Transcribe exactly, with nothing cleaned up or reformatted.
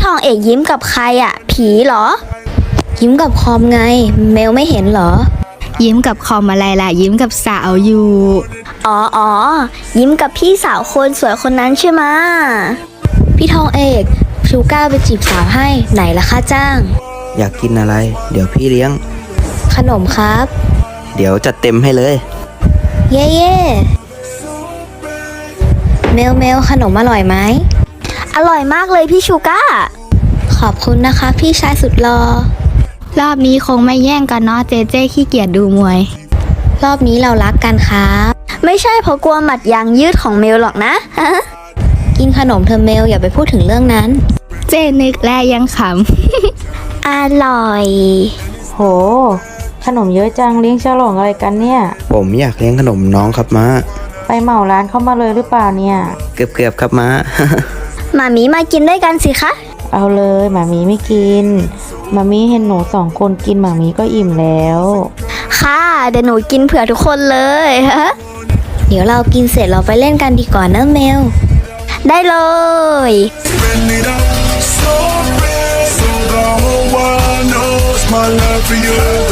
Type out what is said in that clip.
องเอกยิ้มกับใครอะผีเหรอยิ้มกับคอมไงเมลไม่เห็นเหรอยิ้มกับคอมอะไรล่ะยิ้มกับสาวอยู่อ๋ออ๋อยิ้มกับพี่สาวคนสวยคนนั้นใช่ไหมพี่ทองเอกชูก้าไปจีบสาวให้ไหนล่ะค่าจ้างอยากกินอะไรเดี๋ยวพี่เลี้ยงขนมครับเดี๋ยวจัดเต็มให้เลยเย่เย่เมลเมลขนมอร่อยไหมอร่อยมากเลยพี่ชูก้าขอบคุณนะคะพี่ชายสุดหล่อรอบนี้คงไม่แย่งกันเนาะเจเจขี้เกียจดูมวยรอบนี้เรารักกันครับไม่ใช่เพราะกลัวหมัดยางยืดของเมลหรอกนะ กินขนมเธอเมลอย่าไปพูดถึงเรื่องนั้นเจนึกแลยังขำ อร่อยโหขนมเยอะจังเลี้ยงฉลองอะไรกันเนี่ยผมอยากเลี้ยงขนมน้องครับม้าไปเหมาร้านเข้ามาเลยหรือเปล่าเนี่ยเกือบเกือบครับม้าหมามีมากินด้วยกันสิคะเอาเลยหมามีไม่กินหมามีเห็นหนูสองคนกินหมามีก็อิ่มแล้วค่ะเดี๋ยวหนูกินเผื่อทุกคนเลยเดี๋ยวเรากินเสร็จเราไปเล่นกันดีกว่านะเมลได้เลย My love for you